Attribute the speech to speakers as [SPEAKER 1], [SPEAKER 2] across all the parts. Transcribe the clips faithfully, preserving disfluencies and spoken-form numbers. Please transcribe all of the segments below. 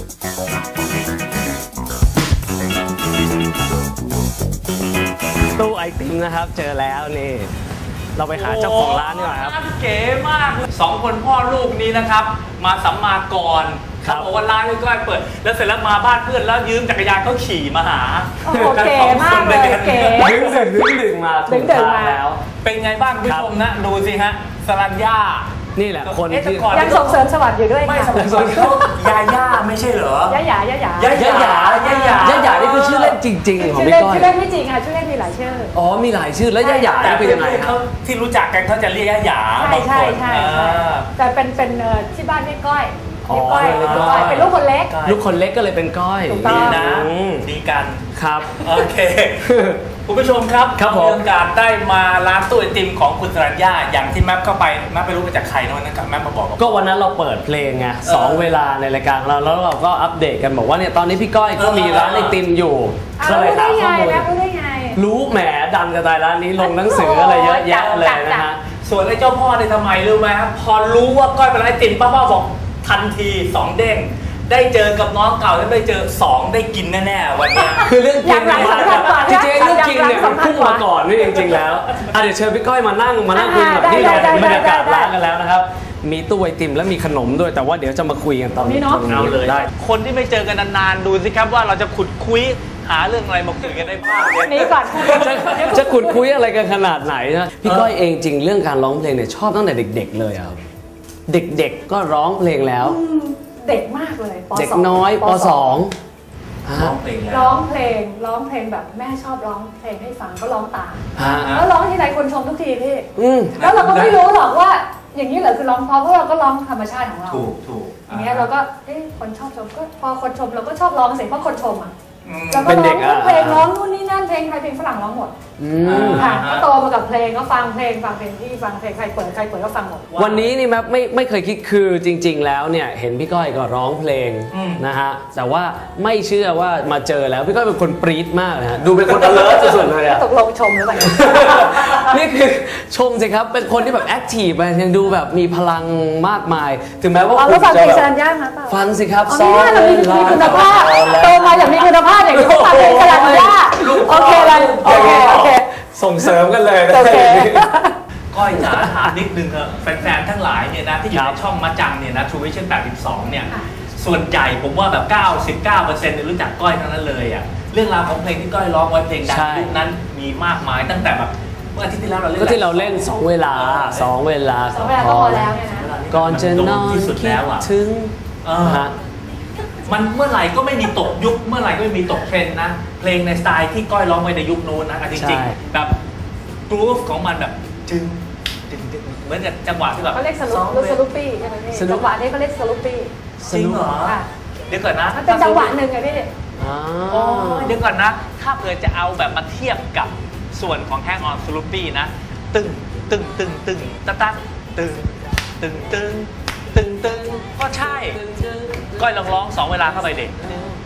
[SPEAKER 1] ตู้ไอติมนะครับเจอแล้วนี่เราไปหาเจ้าของร้านดีกว่าครับ
[SPEAKER 2] เก๋มากสองคนพ่อลูกนี้นะครับมาสัมมากรเขาบอกว่าร้านก็เปิดแล้วเสร็จแล้วมาบ้านเพื่อนแล้วยืมจักรยานเขาขี่มาหา
[SPEAKER 3] โอเคมากเลยเก๋
[SPEAKER 1] ดึงดึงดึงดึงมาถูกทางแล้ว
[SPEAKER 2] เป็นไงบ้างคุณผู้ชมนะดูสิฮะสรัญญา
[SPEAKER 1] นี่แหละคนที่
[SPEAKER 3] ยังส่งเสริมสวัสดิ์อยู่ด้วยค่ะ
[SPEAKER 2] ยาย่าไม่ใช่เหรอยา
[SPEAKER 3] หยายาหยาย
[SPEAKER 2] าหยายาหยาย
[SPEAKER 1] าหยานี่คือชื่อเล่นจริงๆของพี่ก้อย
[SPEAKER 3] ชื่อเล่นไม่จริงค่ะชื่อเล่นมีหลายชื่อ
[SPEAKER 1] อ๋อมีหลายชื่อแล้วยาหยาเป็นยังไงครับ
[SPEAKER 2] ที่รู้จักกันเขาจะเรียกยาหยา
[SPEAKER 3] ใช่ใช่ใช่แต่เป็นเป็นที่บ้านเรียกก้อยก้อยเป็นลูกคนเล็ก
[SPEAKER 1] ลูกคนเล็กก็เลยเป็นก้อย
[SPEAKER 2] ดีนะดีกัน
[SPEAKER 1] ครับ
[SPEAKER 2] โอเคคุณผู้ชมครับ
[SPEAKER 1] ครับผม
[SPEAKER 2] มีโอกาสได้มาร้านตู้ไอติมของคุณสรัญญาอย่างที่แมปเข้าไปแมปไปรู้มาจากใครนะวันนั้นแมปมาบอก
[SPEAKER 1] ก็วันนั้นเราเปิดเพลงไงสองเวลาในรายการเราแล้วเราก็อัปเดตกันบอกว่าเนี่ยตอนนี้พี่ก้อยก็มีร้านไอติมอยู่
[SPEAKER 3] ก็เลยถามข้อมูลรู้ได้ไง
[SPEAKER 1] รู้แหมดังกระจายร้านนี้ลงหนังสืออะไรเยอะแยะเลยนะฮะ
[SPEAKER 2] ส่วนไอ้เจ้าพ่อในทำไมรู้ไหมครับพอรู้ว่าก้อยเป็นร้านไอติมป้าๆบอกทันทีสองเด้งได้เจอกับน้องเก่าแล้วได้เจอสองได้กินแน่ๆวันนี้
[SPEAKER 1] คือเรื่องกินจริงๆเรื่องกินเนี่ยมันพุ่งมาก่อนนี่จริงๆแล้วเดี๋ยวเชิญพี่ก้อยมานั่งมานั่งคุยแบบนี้เลยบรรยากาศร้านกันแล้วนะครับมีตู้ไอติมและมีขนมด้วยแต่ว่าเดี๋ยวจะมาคุยกันตอนนี้เนาะ
[SPEAKER 2] เอาเลยคนที่ไม่เจอกันนานๆดูสิครับว่าเราจะขุดคุยหาเรื่องอะไรมาคุยกันได้บ้าง
[SPEAKER 3] นี้ก่อน
[SPEAKER 1] จะขุดคุยอะไรกันขนาดไหนนะพี่ก้อยเองจริงเรื่องการร้องเพลงเนี่ยชอบตั้งแต่เด็กๆเลยครับเด็กๆก็ร้องเพลงแล้ว
[SPEAKER 3] เด็กมากเลย
[SPEAKER 1] เด็กน้อยป.สอง
[SPEAKER 2] ร้องเพลง
[SPEAKER 3] ร้องเพลงร้องเพลงแบบแม่ชอบร้องเพลงให้ฟังก็ร้องตามแล้วร้องที่ไหนคนชมทุกทีพี่แล้วเราก็ไม่รู้หรอกว่าอย่างนี้เหรอคือร้องเพราะเพราะเราก็ร้องธรรมชาติของเรา
[SPEAKER 2] ถูกถูก
[SPEAKER 3] อย่างเงี้ยเราก็เอ๊ะคนชอบชมก็พอคนชมเราก็ชอบร้องเสียงเพราะคนชมอ่ะแล้วก็ร้องเพลงร้องนู่นนี่นั่นเพลงไทยเพลงฝรั่งร้องหมดค่ะก็โตมากับเพลงก็ฟังเพลงฟังเพลงที่ฟังเพลงใครเปิดใครเปิดก็ฟังหมด
[SPEAKER 1] วันนี้นี่แม่ไม่ไม่เคยคิดคือจริงๆแล้วเนี่ยเห็นพี่ก้อยก็ร้องเพลงนะฮะแต่ว่าไม่เชื่อว่ามาเจอแล้วพี่ก้อยเป็นคนปรี๊ดมากนะฮะดูเป็นคน alert สุดๆเลยอะ
[SPEAKER 3] ตกลงชมหรือเปล่า
[SPEAKER 1] นี่คือชมสิครับเป็นคนที่แบบแอคทีฟไปยังดูแบบมีพลังมากมายถึงแม้ว่า
[SPEAKER 3] คุณจะแบบ
[SPEAKER 1] ฟังสิครับ
[SPEAKER 3] ซ้อมเลยมีคุณภาพโตมาอย่างมีคุณภาพอย่างนี้ฟังเพลงสลัดยาโอเคเลยโอเคโอเค
[SPEAKER 1] ส่งเสริมกันเลยนะ
[SPEAKER 2] ก้อยจ๋าถามนิดนึงเถอะแฟนๆทั้งหลายเนี่ยนะที่อยู่ในช่องมาจังเนี่ยนะ True Vision แปดสิบสองเนี่ยส่วนใหญ่ผมว่าแบบ เก้าสิบเก้าเปอร์เซ็นต์ รู้จักก้อยทั้งนั้นเลยอ่ะเรื่องราวของเพลงที่ก้อยร้องไว้เพลงดังยุคนั้นมีมากมายตั้งแต่แบบเมื่ออาทิตย์ที่แล้วเราเล่น
[SPEAKER 1] ก็ที่เราเล่นสองเวลาสองเวลา
[SPEAKER 3] สองเวลาก็พอแล้วเนี่ยนะ
[SPEAKER 1] ก่อนจะนอน
[SPEAKER 2] ที่สุดแล้วอ่ะ
[SPEAKER 1] ถึง
[SPEAKER 2] มันเมื่อไหร่ก็ไม่มีตกยุคเมื่อไหร่ก็ไม่มีตกเทรนด์นะเพลงในสไตล์ที่ก้อยร้องไว้ในยุคนู้นนะจริงๆแบบกรูฟของมันแบบจึงจึงเหมือนกับจังหวะที่แบบ
[SPEAKER 3] เขาเรียกสลุปสลุปปี้ใช่ไหมพี่จังหวะนี้เขาเรียกสลุปปี้
[SPEAKER 2] จริงเหรอเดี๋ยวก่อนนะ
[SPEAKER 3] มันเป็นจังหวะหนึ่งไงพี่
[SPEAKER 2] อ๋อเดี๋ยวก่อนนะถ้าเผื่อจะเอาแบบมาเทียบกับส่วนของแฮงออนสลุปปี้นะตึงตึงตึงตึงตะตั๊กตึงตึงตึงตึงตึงก็ใช่ก้อยลองร้องสองเวลาเข้าไปเด็ก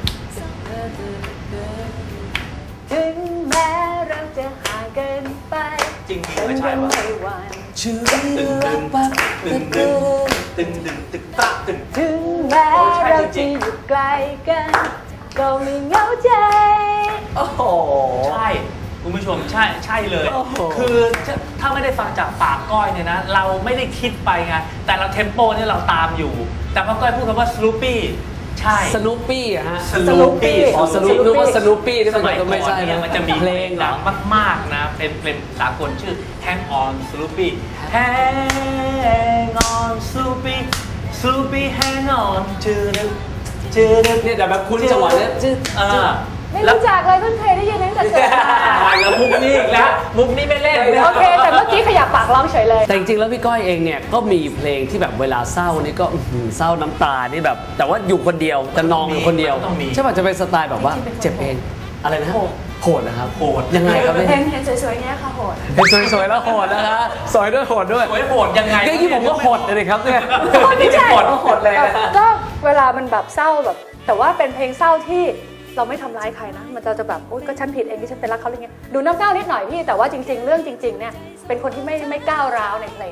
[SPEAKER 3] ถึงแม้เราจะห่างกันไป
[SPEAKER 2] จริงๆไม่ใช่วะ
[SPEAKER 1] ชื่อ
[SPEAKER 2] ตึงตึงตึงตึงตึงตึงตึงตะตึง
[SPEAKER 3] ถึงแม้เราจะอยู่ไกลกันก็ไม่เหงาใจ
[SPEAKER 2] โอ้โหใช่คุณผู้ชมใช่ใช่เลยคือถ้าไม่ได้ฟังจากปากก้อยเนี่ยนะเราไม่ได้คิดไปไงแต่เราเทมโปเนี่ยเราตามอยู่แต่พอก้อยพูดคำว่าสลูปี้ใช่
[SPEAKER 1] สนุปปี้อะฮะ
[SPEAKER 2] สนุปปี้
[SPEAKER 1] อ๋อสนุปนึกว่าสนุปปี้ที่
[SPEAKER 2] สมัยก่
[SPEAKER 1] อน
[SPEAKER 2] เนี่ยมันจะมีเพลงดังมากๆนะเป็นเพลงสากลชื่อ Hang on Sloopy Hang on Sloopy Sloopy Hang on ชื่อนึกชื่อนึก
[SPEAKER 1] เนี่ยแต่แบบคุณจังหวะเนี้ย
[SPEAKER 3] อ่าไม่รู้จักเลยเพิ่งเคยได้ยินตั้งแต่เกิด
[SPEAKER 2] มาแล้วมุกนี้อีกแล้วมุกนี้ไม่เล่น
[SPEAKER 3] โอเคแต่เมื่อกี้ขยับปากร้องเฉยเลย
[SPEAKER 1] แต่จริงๆแล้วพี่ก้อยเองเนี่ยก็มีเพลงที่แบบเวลาเศร้านี่ก็เศร้าน้ำตานี่แบบแต่ว่าอยู่คนเดียวจะนองอยู่คนเดียวใช่ป่ะจะเป็นสไตล์แบบว่าเจ็บเองอะไรนะโหดนะครับ
[SPEAKER 2] โหด
[SPEAKER 1] ยังไงครับ
[SPEAKER 3] เพลงเห็นสวยๆเนี้ยค่ะโหด
[SPEAKER 1] เห็นสวยๆแล้วโหดนะฮะสวยด้วยโหดด้วย
[SPEAKER 2] สวยโหดยังไง
[SPEAKER 1] ก็ที่ผมก็โหดเลยครับเนี่ย
[SPEAKER 2] นี่จะโหด
[SPEAKER 1] โหดเลย
[SPEAKER 3] ก็เวลามันแบบเศร้าแบบแต่ว่าเป็นเพลงเศร้าที่เราไม่ทำร้ายใครนะมันจะจะแบบโอ๊ยก็ฉันผิดเองที่ฉันไปรักเขาอะไรเงี้ยดูน้ำก้าวนิดหน่อยพี่แต่ว่าจริงๆเรื่องจริงๆเนี่ยเป็นคนที่ไม่ไม่ก้าวร้าวในเพลง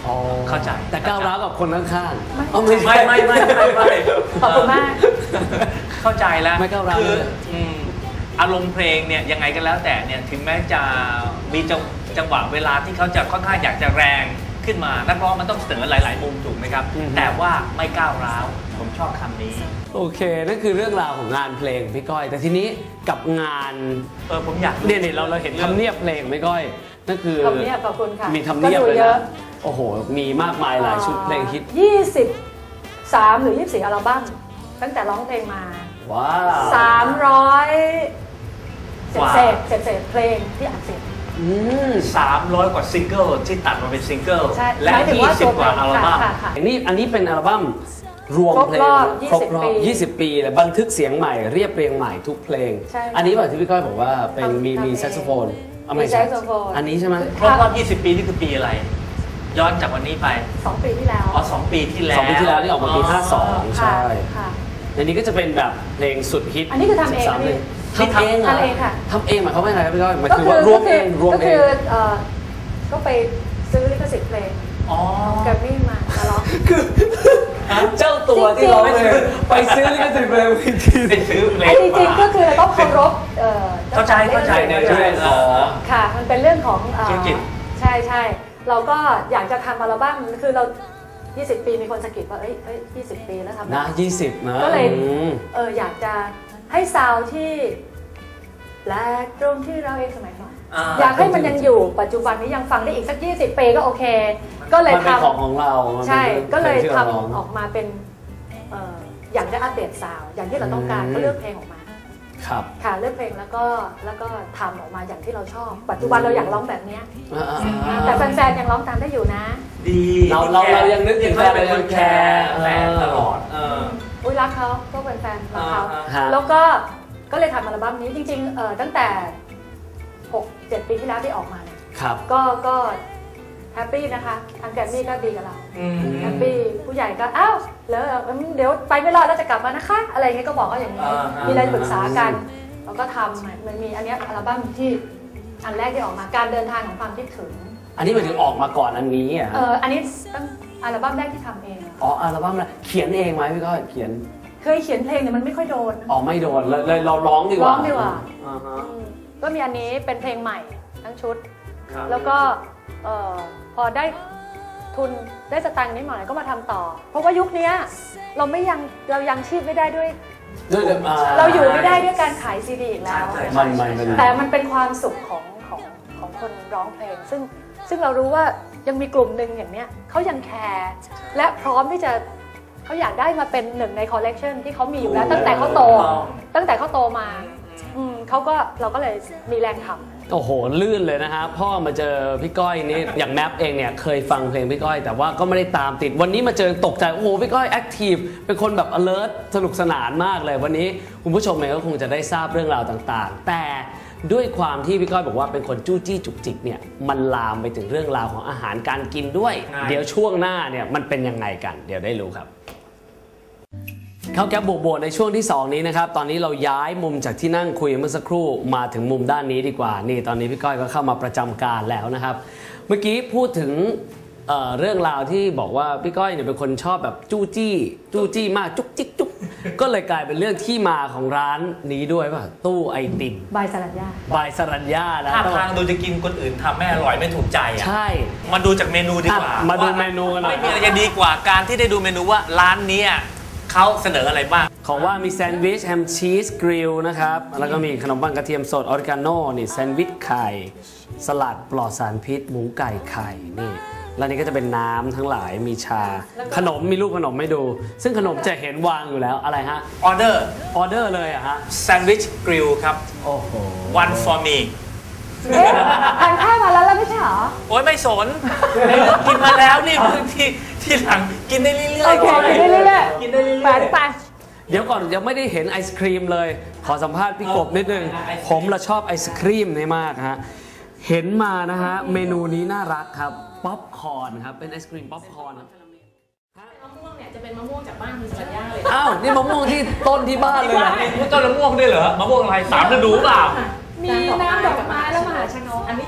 [SPEAKER 2] เข้าใจ
[SPEAKER 1] แต่ก้าวร้าวกับคนข้างๆ
[SPEAKER 2] ไม่ไม่ไม่ไม่ไม่ไม่
[SPEAKER 3] ขอบคุณมาก
[SPEAKER 2] เข้าใจแล้ว
[SPEAKER 1] ไม่ก้าวร้าว
[SPEAKER 2] คืออารมณ์เพลงเนี่ยยังไงก็แล้วแต่เนี่ยถึงแม้จะมีจังจังหวะเวลาที่เขาจะค่อนข้างอยากจะแรงขึ้นมานักร้องมันต้องเสนอหลายๆมุมถูกไหมครับแต่ว่าไม่ก้าวร้าวผมชอบคำนี้
[SPEAKER 1] โอเคนั่นคือเรื่องราวของงานเพลงพี่ก้อยแต่ทีนี้กับงาน
[SPEAKER 2] เออผมอยาก
[SPEAKER 1] เนี่ยเราเราเห็นทำเนียบเพลงพี่ก้อยนั่นคือ
[SPEAKER 3] ทำเนียบขอบคุณค่ะ
[SPEAKER 1] มีทำเนียบเลยนะโอ้โหมีมากมายหลายชุดเพลงฮิต
[SPEAKER 3] ยี่สิบสามหรือยี่สิบสี่อัลบั้มตั้งแต่ร้องเพลงมา
[SPEAKER 1] ว้า
[SPEAKER 3] สามร้อยเศษเศษเศษเศษเพลงที่อัดเสร็จ
[SPEAKER 2] สามร้อยกว่าซิงเกิลที่ตัดมาเป็นซิงเกิลและยี่สิบกว่าอัลบั้ม
[SPEAKER 1] อันนี้อันนี้เป็นอัลบั้มรวมเพลงครบรอบยี่สิบปีเลยบันทึกเสียงใหม่เรียบเรียงใหม่ทุกเพลงอันนี้แบบที่พี่ก้อยบอกว่าเป็นมีมีแซกโซโฟน
[SPEAKER 3] มีแซกโซโฟน
[SPEAKER 1] อันนี้ใช่ไหม
[SPEAKER 2] ครบรอบยี่สิบปีนี่คือปีอะไรย้อนจากวันนี้ไป
[SPEAKER 3] สองปีที่แล้ว
[SPEAKER 2] อ๋อสองปีที่แล้ว
[SPEAKER 1] สองปีที่แล้วที่ออกมาปีห้าสองใช่อันนี้ก็จะเป็นแบบเพลงสุดฮิต
[SPEAKER 3] อันนี้คือทำเอง
[SPEAKER 1] ทำเอง
[SPEAKER 3] ทำเองค่ะ
[SPEAKER 1] ทำเองหมายความว่าไงครับพี่ก้อยหมายถึงว่ารวมเองรวมเอง
[SPEAKER 3] ก็ไปซื้อลิขสิทธิ์เพลงแกรมมี่มาร้อง
[SPEAKER 1] คือเจ้าตัวที่ร้องเพลงไปซื้อลิขสิทธิ์เพลง
[SPEAKER 2] ไปซื้อเพลง
[SPEAKER 3] จริงๆก็คือต้องเคารพ
[SPEAKER 2] เข้าใจเข้าใจในเรื่อง
[SPEAKER 3] ค่ะมันเป็นเรื่องของใช่ใช่เราก็อยากจะทำอัลบั้มคือเรายี่สิบปีมีคนสะกิดว่าเอ้ยเอ้ยยี่สิบปีแล้วทำ
[SPEAKER 1] นะยี่สิบนะ
[SPEAKER 3] ก็เลยเอออยากจะให้ซาวที่แปลกตรงที่เราเองสมัยก่อนอยากให้มันยังอยู่ปัจจุบันนี้ยังฟังได้อีกสักยี่สิบปีก็โอเคก็เลยท
[SPEAKER 1] ำของของเรา
[SPEAKER 3] ใช่ก็เลยทำออกมาเป็นอยากจะอัปเดตซาวอย่างที่เราต้องการก็เลือกเพลงออกมา
[SPEAKER 1] ครับ
[SPEAKER 3] ค่ะเลือกเพลงแล้วก็แล้วก็ทำออกมาอย่างที่เราชอบปัจจุบันเราอยากร้องแบบนี้แต่แฟนๆยังร้องตามได้อยู่นะ
[SPEAKER 2] ดี
[SPEAKER 1] เราเราเรายังนึกถึงแฟนเป็นคนแคร์
[SPEAKER 2] แฟนตลอด
[SPEAKER 3] อุ้ยรักเขาก็เป็นแฟนรักเขาแล้วก็ก็เลยทำอัลบั้มนี้จริงๆตั้งแต่หกเจ็ดปีที่แล้วที่ออกมาเนี่ยก็ก็แฮปปี้นะคะทางแกรมมี่ก็ดีกับเราแฮปปี้ผู้ใหญ่ก็อ้าวแล้วเดี๋ยวไปไม่รอดแล้วจะกลับมานะคะอะไรเงี้ยก็บอกว่าอย่างนี้มีอะไรปรึกษากันแล้วก็ทำมันมีอันนี้อัลบั้มที่อันแรกที่ออกมาการเดินทางของความคิดถึง
[SPEAKER 1] อันนี้หมายถึงออกมาก่อนอันนี้อ่ะ
[SPEAKER 3] เอออันนี้ตั้งอัลบั้มแรกที่ทำเอง
[SPEAKER 1] อ๋ออัลบั้มแรกเขียนเองไหมพี่ก้อยเขียน
[SPEAKER 3] เคยเขียนเพลงเนี่ยมันไม่ค่อยโดน
[SPEAKER 1] อ๋อไม่โดนเลยเราร้องดีกว่า
[SPEAKER 3] ร้องดีกว่าก็มีอันนี้เป็นเพลงใหม่ทั้งชุดแล้วก็พอได้ทุนได้สตางค์นิดหน่อยก็มาทำต่อเพราะว่ายุคนี้เราไม่ยังเรายังชีพไม่ได้ด้วยเราอยู่ไม่ได้ด้วยการขายซีดีอีกแล้วแต่มันเป็นความสุขของของของคนร้องเพลงซึ่งซึ่งเรารู้ว่ายังมีกลุ่มหนึ่งอย่างเนี้ยเขายังแคร์และพร้อมที่จะเขาอยากได้มาเป็นหนึ่งในคอลเลกชันที่เขามีอยู่แล้วตั้งแต่เขาโตตั้งแต่เขาโตมาเขาก็เราก็เลยมีแรงทำ
[SPEAKER 1] โอ้โหลื่นเลยนะฮะพ่อมาเจอพี่ก้อยนี่อย่างแมปเองเนี่ยเคยฟังเพลงพี่ก้อยแต่ว่าก็ไม่ได้ตามติดวันนี้มาเจอตกใจโอ้โหพี่ก้อยแอคทีฟเป็นคนแบบ alert สนุกสนานมากเลยวันนี้คุณผู้ชมเองก็คงจะได้ทราบเรื่องราวต่างๆแต่ด้วยความที่พี่ก้อยบอกว่าเป็นคนจู้จี้จุกจิกเนี่ยมันลามไปถึงเรื่องราวของอาหารการกินด้วยเดี๋ยวช่วงหน้าเนี่ยมันเป็นยังไงกันเดี๋ยวได้รู้ครับเข้าแก๊ปโบว์ในช่วงที่สองนี้นะครับตอนนี้เราย้ายมุมจากที่นั่งคุยเมื่อสักครู่มาถึงมุมด้านนี้ดีกว่านี่ตอนนี้พี่ก้อยก็เข้ามาประจำการแล้วนะครับเมื่อกี้พูดถึง เ, เรื่องราวที่บอกว่าพี่ก้อยเนี่ยเป็นคนชอบแบบจู้จี้จู้จี้มากจุกจิกจุกก็เลยกลายเป็นเรื่องที่มาของร้านนี้ด้วยป่ะตู้ไอติม
[SPEAKER 3] บายสรัญญา
[SPEAKER 1] บายสรัญญานะ
[SPEAKER 2] ถ้าทางดูจะกินคนอื่นทำไม่อร่อยไม่ถูกใจอ่ะ
[SPEAKER 1] ใช่
[SPEAKER 2] มาดูจากเมนูดีกว่า
[SPEAKER 1] มาดูเมนูกันหน่อย
[SPEAKER 2] ไม่มีอะไรจะดีกว่าการที่ได้ดูเมนูว่าร้านนี้เขาเสนออะไรบ้าง
[SPEAKER 1] ของว่ามีแซนด์วิชแฮมชีสกริลนะครับแล้วก็มีขนมปังกระเทียมสดออริกาโน่นี่แซนด์วิชไข่สลัดปลอดสารพิษหมูไก่ไข่นี่แล้วนี่ก็จะเป็นน้ำทั้งหลายมีชาขนมมีรูปขนมไม่ดูซึ่งขนมจะเห็นวางอยู่แล้วอะไรฮะ
[SPEAKER 2] ออเดอร์
[SPEAKER 1] ออเดอร์เลยอะฮะ
[SPEAKER 2] แซนด์วิชกริลครับ
[SPEAKER 1] โอ้โห
[SPEAKER 2] one for me
[SPEAKER 3] ทานข้าวมาแล้วแล้วไม่ใช่หรอ
[SPEAKER 2] โอ๊ยไม่สนกินมาแล้วนี่บางทีที่หลังกินได้เรื่อยๆ
[SPEAKER 3] โอเคกินได้เรื่อยๆกินได้เรื่อยๆไป
[SPEAKER 1] เดี๋ยวก่อนยังไม่ได้เห็นไอศครีมเลยขอสัมภาษณ์พี่กบนิดนึงผมละชอบไอศครีมนี่มากฮะเห็นมานะฮะเมนูนี้น่ารักครับป๊อปคอร์นครับเป็นไอศครีมป๊อปคอร์นมะ
[SPEAKER 4] ม่วงเนี่ยจะเป็นมะม่วงจากบ้านคุณสัญญาเลย
[SPEAKER 1] อ้าวนี่มะม่วงที่ต้นที่บ้านเลยเหรอ
[SPEAKER 2] ต้นมะม่วงด้วยเหรอมะม่วงอะไรสามฤดูเปล่า
[SPEAKER 3] มีน้ำดอกไม้แล้วมหาชนก
[SPEAKER 4] อันนี้จะเป็นมหาชน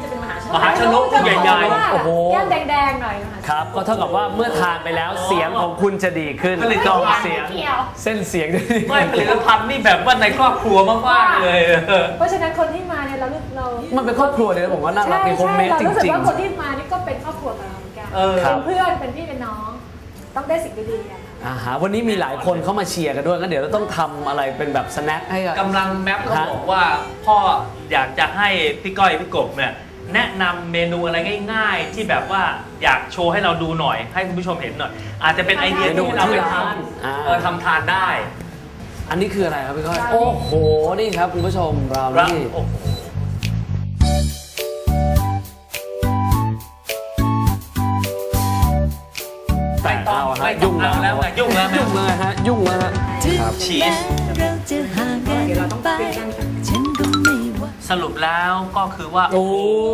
[SPEAKER 2] มหาชนกใหญ่ๆ
[SPEAKER 1] โอ้โห
[SPEAKER 3] แก้มแดงๆหน่อยนะคะ
[SPEAKER 1] ครับก็เท่ากับว่าเมื่อทานไปแล้วเสียงของคุณจะดีขึ้น
[SPEAKER 2] ผลิต
[SPEAKER 1] กล่อง
[SPEAKER 2] ภัณฑ์
[SPEAKER 1] เสียง
[SPEAKER 3] เกี่ยว
[SPEAKER 1] เส้นเสียงจะดี
[SPEAKER 2] ไม่ผลิตภัณฑ์นี่แบบว่าในครอบครัวมากๆเลย
[SPEAKER 3] เพราะฉะนั้นคนที่มาเนี่ยเราเรา
[SPEAKER 1] มันเป็นครอบครัวเลยนะผมว่าน่ารักมีโฮมเมด
[SPEAKER 3] เรา
[SPEAKER 1] จ
[SPEAKER 3] รู้สึก
[SPEAKER 1] ริง
[SPEAKER 3] ว่าคนที่มานี่ก็เป็นครอบครัวกับเราเหมือนกัน
[SPEAKER 2] เออ
[SPEAKER 3] เป็นเพื่อนเป็นพี่เป็นน้อง ต้องได้สิ่งดีๆกัน
[SPEAKER 1] ๆอ่าฮะวันนี้มีหลายคนเข้ามาเชียร์กันด้วยก็เดี๋ยวเราต้องทำอะไรเป็นแบบสแน็คให้กับ
[SPEAKER 2] กำลังแมปเขาบอกว่าพ่ออยากจะให้พี่ก้อยพี่กบเนี่ยแนะนำเมนูอะไรง่ายๆ ที่แบบว่าอยากโชว์ให้เราดูหน่อย ให้คุณผู้ชมเห็นหน่อย อาจจะเป็นไอเดียที่เราไปทำเออทำทานได้
[SPEAKER 1] อันนี้คืออะไรครับพี่ก้อยโอ้โหนี่ครับคุณผู้ชมเรา
[SPEAKER 2] แล้ว
[SPEAKER 1] นี่
[SPEAKER 2] โอ้โห
[SPEAKER 1] แต่เอาฮะ
[SPEAKER 2] ไม่ต้
[SPEAKER 1] ยุ่
[SPEAKER 2] อง
[SPEAKER 1] ง
[SPEAKER 2] เอาแล้วไงยุ่งแล้วไง
[SPEAKER 1] ยุ่งเลยฮะยุ่งเลยฮะครับ
[SPEAKER 2] ชีส
[SPEAKER 5] เราจะห่างกันไปฉันก็ไม่ว่า
[SPEAKER 2] สรุปแล้วก็คือว่า
[SPEAKER 1] โอ้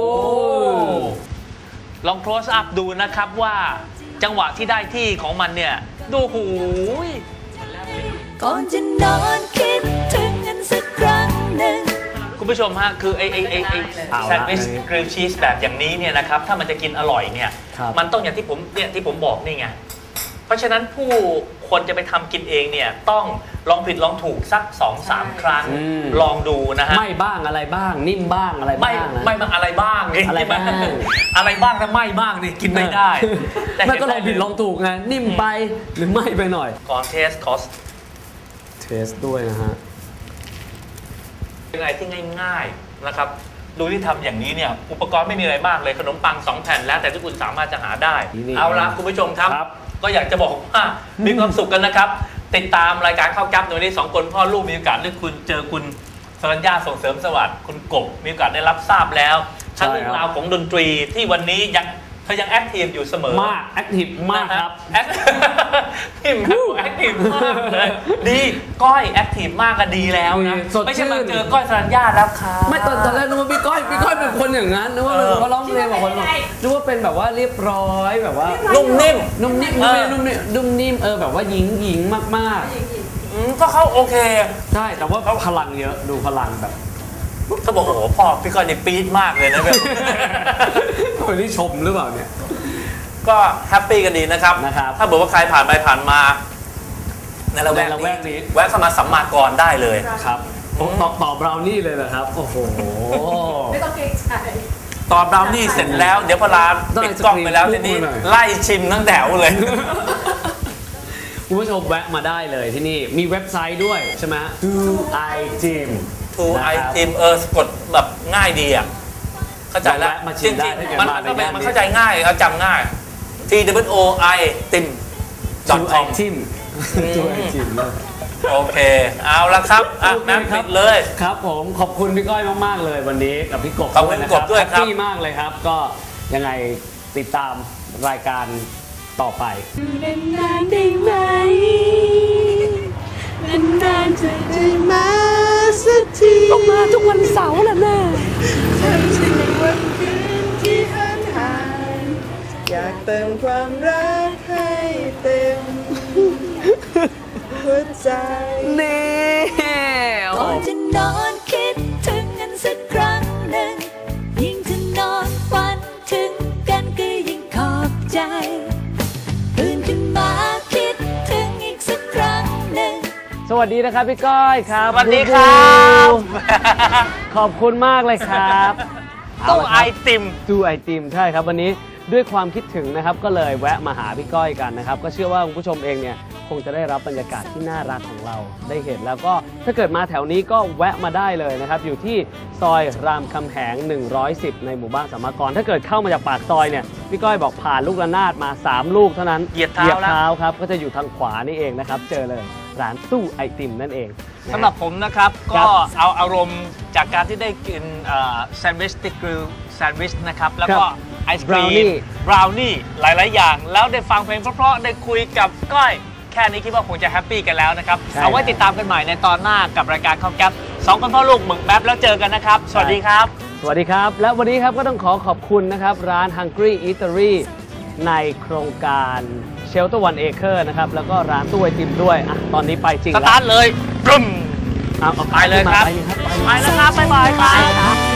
[SPEAKER 2] ลอง close up ดูนะครับว่าจังหวะที่ได้ที่ของมันเนี่ย ดูหูย
[SPEAKER 5] ก่อนจะนอนคิดถึงกันสักครั้งหนึ่ง
[SPEAKER 2] คุณผู้ชมฮะ คือไอไอไอไอ
[SPEAKER 1] เอาละ
[SPEAKER 2] แซนด์วิชกริลชีสแบบอย่างนี้เนี่ยนะครับ ถ้ามันจะกินอร่อยเนี่ย
[SPEAKER 1] ครับ
[SPEAKER 2] มันต้องอย่างที่ผมเนี่ยที่ผมบอกนี่ไง เพราะฉะนั้นผู้คนจะไปทำกินเองเนี่ยต้องลองผิดลองถูกสัก สองสาม ครั้ง
[SPEAKER 1] อืม
[SPEAKER 2] ลองดูนะฮะ
[SPEAKER 1] ไม่บ้างอะไรบ้างนิ่มบ้างอะไร
[SPEAKER 2] ไม่
[SPEAKER 1] บ้างนะ
[SPEAKER 2] ไม่มาอะไรบ้างนี่
[SPEAKER 1] อะไรบ้าง
[SPEAKER 2] อะไรบ้างถ้าไม่บ้างนี่กินไม่ได้
[SPEAKER 1] ไม่ก็ลองผิดลองถูกไงนิ่มไปหรือไม่ไปหน่อย
[SPEAKER 2] ก่อนเทสคอส
[SPEAKER 1] เทสด้วยนะฮะ
[SPEAKER 2] ยังไงที่ง่ายๆนะครับดูที่ทำอย่างนี้เนี่ยอุปกรณ์ไม่มีอะไรมากเลยขนมปังสองแผ่นแล้วแต่ที่คุณสามารถจะหาได้
[SPEAKER 1] นี่
[SPEAKER 2] เอาละคุณผู้ชมครับ
[SPEAKER 1] ครับ
[SPEAKER 2] ก็อยากจะบอกว่ามีความสุขกันนะครับ ติดตามรายการข้าวแก๊บในวันนี้สองคนพ่อลูกมีโอกาสได้คุณเจอคุณสรัญญาส่งเสริมสวัสดิ์คุณกบมีโอกาสได้รับทราบแล้วทั้งเรื่องราวของดนตรีที่วันนี้ยังเธอยังแอคทีฟอยู่เสมอ
[SPEAKER 1] มากแอคทีฟมากครับ
[SPEAKER 2] แอคทีฟแอคทีฟมากเลยดีก้อยแอคทีฟมากก็ดีแล้วนะ
[SPEAKER 1] สดชื่น
[SPEAKER 2] ไม่ใช่มาเจอก้อยสรัญญาแล้วค่ะ
[SPEAKER 1] ไม่ตอนตอนแรกนึกว่าพี่ก้อยพี่ก้อยเป็นคนอย่างนั้นนึกว่าเป็น
[SPEAKER 2] เออ
[SPEAKER 1] เขาร้องเพลงแบบคนนึกว่าเป็นแบบว่าเรียบร้อยแบบว่า
[SPEAKER 2] นุ่มนิ่ม
[SPEAKER 1] นุ่มนิ่ม
[SPEAKER 2] เออ
[SPEAKER 1] นุ่มนิ่มนุ่มนิ่มเออแบบว่าหญิงหญิงมาก
[SPEAKER 2] อืมก็เขาโอเค
[SPEAKER 1] ๆใช่แต่ว่าพลังเยอะดูพลังแบบ
[SPEAKER 2] เขาบอกโอ้โหพ่อพี่ก้อยนี่ปี๊ดมากเลยนะแบบ
[SPEAKER 1] คนที่ชมหรือเปล่าเนี่ย
[SPEAKER 2] ก็แฮปปี้กันดีนะครับ
[SPEAKER 1] นะครับ
[SPEAKER 2] ถ้าบอกว่าใครผ่านไปผ่านมาในละแวก
[SPEAKER 1] ในละแวกนี้
[SPEAKER 2] นี้แวะเข้ามาสัมมากรได้เลย
[SPEAKER 1] ครับตอบตอบเรานี่เลยเหรอครับโอ้โห
[SPEAKER 3] ไม่ต้องเกรงใจ
[SPEAKER 2] ตอนเรานี่เสร็จแล้ว เดี๋ยวพอลา
[SPEAKER 1] ต้อง
[SPEAKER 2] ปิดกล้องไปแล้ว
[SPEAKER 1] ไอศกรีม
[SPEAKER 2] ทีนี้
[SPEAKER 1] คู่หน่อย
[SPEAKER 2] ไล่ชิมทั้งแถวเลย
[SPEAKER 1] คุณผู้ชมแวะมาได้เลยที่นี่มีเว็บไซต์ด้วยใช่ไหม Do I Gym
[SPEAKER 2] ทูไอทีมเออสะกดแบบง่ายดีอ่ะเข้าใจแล้ว
[SPEAKER 1] ลองแวะมาชิ
[SPEAKER 2] จ
[SPEAKER 1] มได้
[SPEAKER 2] ริง
[SPEAKER 1] ถ้าเกิด
[SPEAKER 2] ๆมัน
[SPEAKER 1] มา
[SPEAKER 2] มันก็เป็น
[SPEAKER 1] ในย่านนี้
[SPEAKER 2] มันเข้าใจง่ายเขาจำง่าย T W O I ติม
[SPEAKER 1] Do
[SPEAKER 2] .com
[SPEAKER 1] I Gym Do I Gym เลย
[SPEAKER 2] โอเค เอาละครับอ่ะ
[SPEAKER 1] โอเค
[SPEAKER 2] แม่
[SPEAKER 1] ครั
[SPEAKER 2] ปิ
[SPEAKER 1] บ
[SPEAKER 2] ดเลย
[SPEAKER 1] ครับผมขอบคุณพี่ก้อยมากๆเลยวันนี้กับพี่กบ
[SPEAKER 2] ขอบคุณ
[SPEAKER 1] นะ
[SPEAKER 2] กบด้วยครับ
[SPEAKER 1] แฮปปี้มากเลยครับ ก็ยังไงติดตามรายการต่อไป
[SPEAKER 5] นานๆได้ไหมนานๆจะได้มาสักทีต้องมาทุกวันเสาร์แหละแม่ทำฉันในวันคืนที่ห่างหายอยากเติมความรักให้เต็มหัวใจนี่ก่อนจะนอนคิดถึงกันสักครั้งหนึ่งยิ่งจะนอนฝันถึงกันก็ยิ่งขอบใจตื่นขึ้นมาคิดถึงอีกสักครั้งหนึ่ง
[SPEAKER 1] สวัสดีนะครับพี่ก้อยครับ
[SPEAKER 2] สวัสดีครับ
[SPEAKER 1] ขอบคุณมากเลยครับ
[SPEAKER 2] ตู้ไอติม
[SPEAKER 1] ดูไอติมใช่ครับวันนี้ด้วยความคิดถึงนะครับก็เลยแวะมาหาพี่ก้อยกันนะครับก็เชื่อว่าคุณผู้ชมเองเนี่ยคงจะได้รับบรรยากาศที่น่ารักของเราได้เห็นแล้วก็ถ้าเกิดมาแถวนี้ก็แวะมาได้เลยนะครับอยู่ที่ซอยรามคำแหงหนึ่งร้อยสิบในหมู่บ้านสามกรถ้าเกิดเข้ามาจากปากซอยเนี่ยพี่ก้อยบอกผ่านลูกระนาดมาสามลูกเท่านั้น
[SPEAKER 2] เหยียบเท้าแล้ว
[SPEAKER 1] เท้าครับก็จะอยู่ทางขวานี่เองนะครับเจอเลยร้านตู้ไอติมนั่นเองนะฮะ
[SPEAKER 2] สำหรับผมนะครับ
[SPEAKER 1] ครั
[SPEAKER 2] ก็
[SPEAKER 1] บ
[SPEAKER 2] เอาอารมณ์จากการที่ได้กินแซนด์วิชติกริลแซนด์วิชนะครับ แล้วก็
[SPEAKER 1] ครับ
[SPEAKER 2] ไอศครีม
[SPEAKER 1] Brownie
[SPEAKER 2] บราวนี่หลาย ๆ อย่าง แล้วได้ฟังเพลงเพราะ ๆ ได้คุยกับก้อย แค่นี้คิดว่าคงจะแฮปปี้กันแล้วนะครับ
[SPEAKER 1] ใช่
[SPEAKER 2] เอาไว้ติดตามกันใหม่ในตอนหน้ากับรายการข้าวแก๊ปสองคนพ่อลูกหมึกแป๊บแล้วเจอกันนะครับ สวัสดีครับ
[SPEAKER 1] สวัสดีครับ และวันนี้ครับก็ต้องขอขอบคุณนะครับ ร้าน Hungry Eatery ในโครงการ Shelter One Acre นะครับ แล้วก็ร้านตู้ไอติมด้วยอ่ะตอนนี้ไปจริง
[SPEAKER 2] ส
[SPEAKER 1] แล้ว
[SPEAKER 2] ตาร์ทเลยปรึ้ม
[SPEAKER 1] เอาเอา
[SPEAKER 2] ไปเลยครับ
[SPEAKER 1] ไปเลยครับ
[SPEAKER 2] ไปแล้วครับ บ๊ายบายครับ